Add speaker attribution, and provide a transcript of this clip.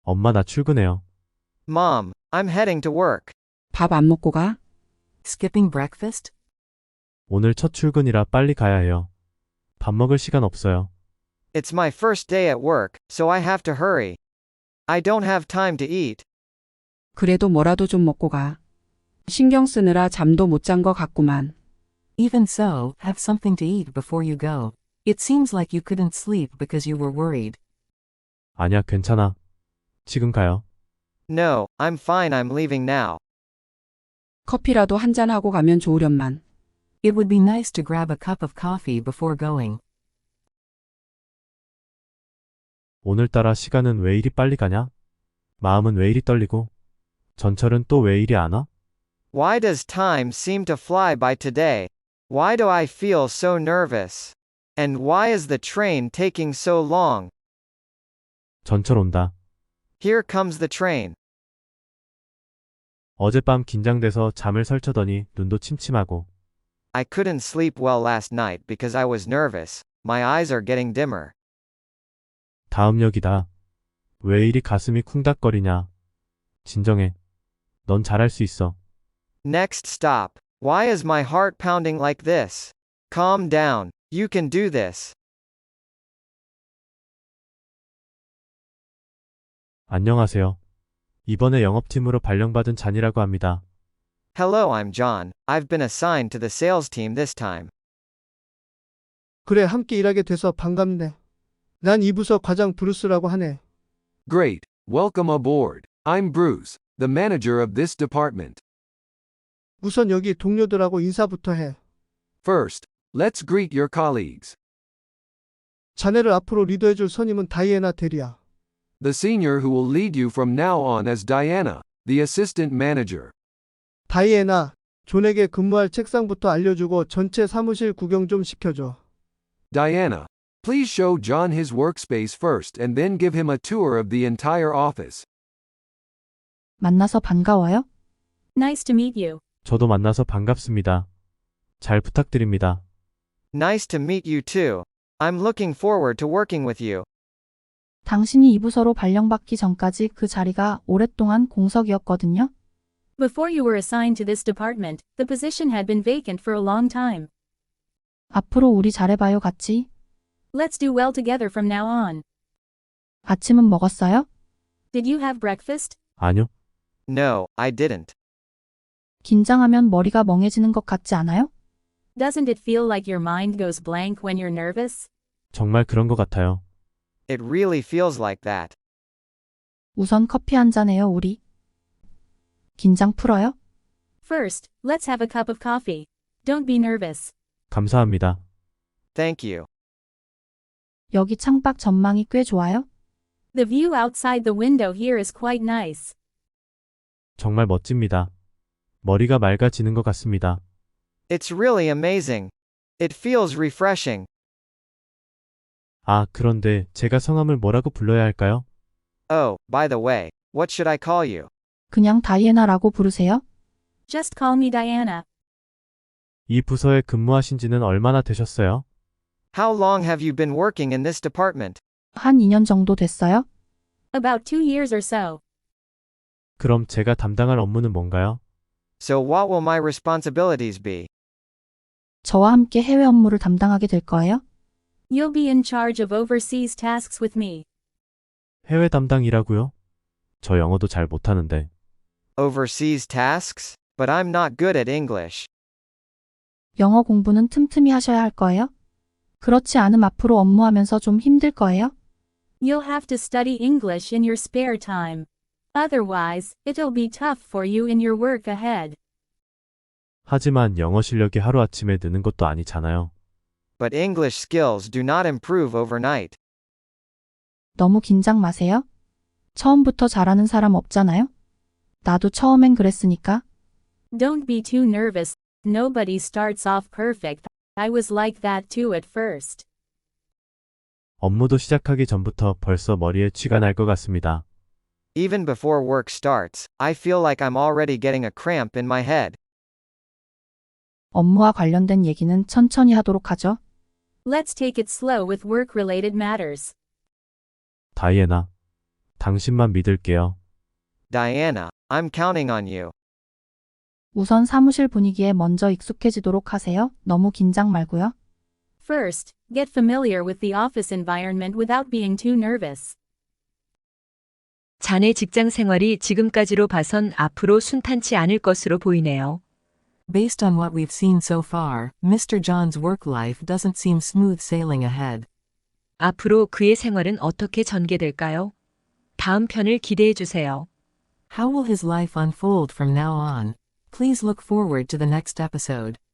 Speaker 1: 엄마 나 출근해요.
Speaker 2: Mom, I'm heading to work.
Speaker 3: 밥 안 먹고 가?
Speaker 4: Skipping breakfast?
Speaker 1: 오늘 첫 출근이라 빨리 가야 해요. 밥 먹을 시간 없어요.
Speaker 2: It's my first day at work, so I have to hurry. I don't have time to eat.
Speaker 3: 그래도 뭐라도 좀 먹고 가. 신경 쓰느라 잠도 못 잔 거 같구만.
Speaker 4: Even so, have something to eat before you go. It seems like you couldn't sleep because you were worried.
Speaker 1: 아니야, 괜찮아. 지금 가요.
Speaker 2: No, I'm fine, I'm leaving now.
Speaker 3: 커피라도 한잔 하고 가면 좋으련만.
Speaker 4: It would be nice to grab a cup of coffee before going.
Speaker 1: 오늘따라 시간은 왜 이리 빨리 가냐? 마음은 왜 이리 떨리고? 전철은 또 왜 이리 안 와?
Speaker 2: Why does time seem to fly by today? Why do I feel so nervous? And why is the train taking so long?
Speaker 1: 전철 온다.
Speaker 2: Here comes the train.
Speaker 1: 어젯밤 긴장돼서 잠을 설쳐더니 눈도 침침하고.
Speaker 2: I couldn't sleep well last night because I was nervous. My eyes are getting dimmer.
Speaker 1: 다음 역이다. 왜 이리 가슴이 쿵닥거리냐? 진정해. 넌 잘할 수 있어.
Speaker 2: Next stop. Why is my heart pounding like this? Calm down. You can do this.
Speaker 1: 안녕하세요. 이번에 영업팀으로 발령받은 잔이라고 합니다.
Speaker 2: Hello, I'm John. I've been assigned to the sales team this time.
Speaker 5: 그래, 함께 일하게 돼서 반갑네. 난 이 부서 과장 브루스라고 하네.
Speaker 6: Great, welcome aboard. I'm Bruce, the manager of this department.
Speaker 5: 우선 여기 동료들하고 인사부터 해.
Speaker 6: First, let's greet your colleagues.
Speaker 5: 자네를 앞으로 리더해줄 선임은 다이애나 대리야.
Speaker 6: The senior who will lead you from now on is Diana, the assistant manager.
Speaker 5: 다이애나, 존에게 근무할 책상부터 알려주고 전체 사무실 구경 좀 시켜줘.
Speaker 6: Diana, please show John his workspace first and then give him a tour of the entire office.
Speaker 7: 만나서 반가워요.
Speaker 8: Nice to meet you.
Speaker 1: 저도 만나서 반갑습니다. 잘 부탁드립니다.
Speaker 2: Nice to meet you too. I'm looking forward to working with you.
Speaker 7: 당신이 이 부서로 발령받기 전까지 그 자리가 오랫동안 공석이었거든요.
Speaker 8: Before you were assigned to this department, the position had been vacant for a long time.
Speaker 7: 앞으로 우리 잘해봐요 같이.
Speaker 8: Let's do well together from now on.
Speaker 7: 아침은 먹었어요?
Speaker 8: Did you have breakfast?
Speaker 1: 아니요.
Speaker 2: No, I didn't.
Speaker 7: 긴장하면 머리가 멍해지는 것 같지 않아요?
Speaker 8: Doesn't it feel like your mind goes blank when you're nervous?
Speaker 1: 정말 그런 것 같아요.
Speaker 2: It really feels like that.
Speaker 7: 우선 커피 한 잔 해요 우리. 긴장 풀어요?
Speaker 8: First, let's have a cup of coffee. Don't be nervous.
Speaker 1: 감사합니다.
Speaker 2: Thank you.
Speaker 7: 여기 창밖 전망이 꽤 좋아요?
Speaker 8: The view outside the window here is quite nice.
Speaker 1: 정말 멋집니다. 머리가 맑아지는 것 같습니다.
Speaker 2: It's really amazing. It feels refreshing.
Speaker 1: 아, 그런데 제가 성함을 뭐라고 불러야 할까요?
Speaker 2: Oh, by the way, what should I call you?
Speaker 7: 그냥 다이애나라고 부르세요?
Speaker 8: Just call me Diana.
Speaker 1: 이 부서에 근무하신 지는 얼마나 되셨어요?
Speaker 2: How long have you been working in this department?
Speaker 7: 한 2년 정도 됐어요?
Speaker 8: About 2 years or so.
Speaker 1: 그럼 제가 담당할 업무는 뭔가요?
Speaker 2: So what will my responsibilities be?
Speaker 7: 저와 함께 해외 업무를 담당하게 될 거예요?
Speaker 8: You'll be in charge of overseas tasks with me.
Speaker 1: 해외 담당이라고요? 저 영어도 잘 못하는데.
Speaker 2: Overseas tasks? But I'm not good at English.
Speaker 7: 영어 공부는 틈틈이 하셔야 할 거예요? 그렇지 않음 앞으로 업무하면서 좀 힘들 거예요?
Speaker 8: You'll have to study English in your spare time. Otherwise, it'll be tough for you in your work ahead.
Speaker 1: 하지만 영어 실력이 하루아침에 느는 것도 아니잖아요.
Speaker 2: But English skills do not improve overnight.
Speaker 7: 너무 긴장 마세요. 처음부터 잘하는 사람 없잖아요? 나도 처음엔 그랬으니까.
Speaker 8: Don't be too nervous. Nobody starts off perfect. I was like that too at first.
Speaker 1: 업무도 시작하기 전부터 벌써 머리에 쥐가 날 것 같습니다.
Speaker 2: Even before work starts, I feel like I'm already getting a cramp in my head.
Speaker 7: 업무와 관련된 얘기는 천천히 하도록 하죠.
Speaker 8: Let's take it slow with work-related matters.
Speaker 1: 다이애나, 당신만 믿을게요.
Speaker 2: Diana, I'm counting on you.
Speaker 7: 우선 사무실 분위기에 먼저 익숙해지도록 하세요. 너무 긴장 말고요.
Speaker 8: First, get familiar with the office environment without being too nervous.
Speaker 9: 자네 직장 생활이 지금까지로 봐선 앞으로 순탄치 않을 것으로 보이네요.
Speaker 4: Based on what we've seen so far, Mr. John's work life doesn't seem smooth sailing ahead.
Speaker 9: 앞으로 그의 생활은 어떻게 전개될까요? 다음 편을 기대해 주세요.
Speaker 4: How will his life unfold from now on? Please look forward to the next episode.